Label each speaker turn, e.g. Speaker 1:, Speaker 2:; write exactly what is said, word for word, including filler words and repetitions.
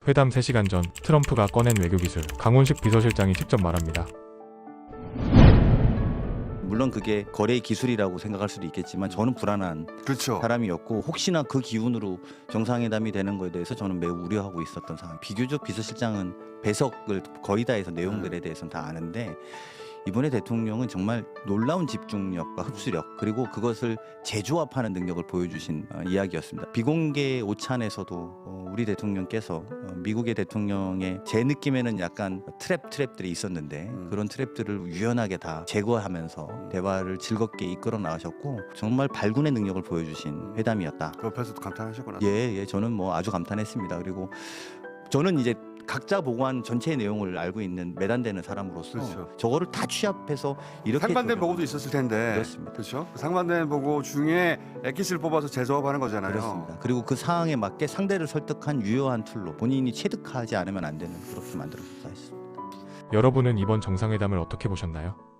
Speaker 1: 회담 세 시간 전 트럼프가 꺼낸 외교기술, 강훈식 비서실장이 직접 말합니다.
Speaker 2: 물론 그게 거래의 기술이라고 생각할 수도 있겠지만 저는 불안한
Speaker 3: 그렇죠.
Speaker 2: 사람이었고 혹시나 그 기운으로 정상회담이 되는 거에 대해서 저는 매우 우려하고 있었던 상황. 비교적 비서실장은 배석을 거의 다 해서 내용들에 대해서는 다 아는데 이번에 대통령은 정말 놀라운 집중력과 흡수력 그리고 그것을 재조합하는 능력을 보여주신 어, 이야기였습니다. 비공개 오찬에서도 어, 우리 대통령께서 어, 미국의 대통령의 제 느낌에는 약간 트랩 트랩들이 있었는데
Speaker 3: 음.
Speaker 2: 그런 트랩들을 유연하게 다 제거하면서 대화를 즐겁게 이끌어 나가셨고 정말 발군의 능력을 보여주신 회담이었다.
Speaker 3: 그 옆에서도 감탄하셨구나.
Speaker 2: 예, 예, 저는 뭐 아주 감탄했습니다. 그리고 저는 이제 각자 보고한 전체 내용을 알고 있는 매단되는 사람으로서
Speaker 3: 그렇죠.
Speaker 2: 저거를 다 취합해서 이렇게
Speaker 3: 상반된
Speaker 2: 조정을-
Speaker 3: 보고도 있었을 텐데.
Speaker 2: 그렇습니다.
Speaker 3: 그렇죠. 그 상반된 보고 중에 엑기스를 뽑아서 재조합하는 거잖아요.
Speaker 2: 그렇습니다. 그리고 그 상황에 맞게 상대를 설득한 유효한 툴로 본인이 체득하지 않으면 안 되는 그렇게 만들어서 했습니다.
Speaker 1: 여러분은 이번 정상회담을 어떻게 보셨나요?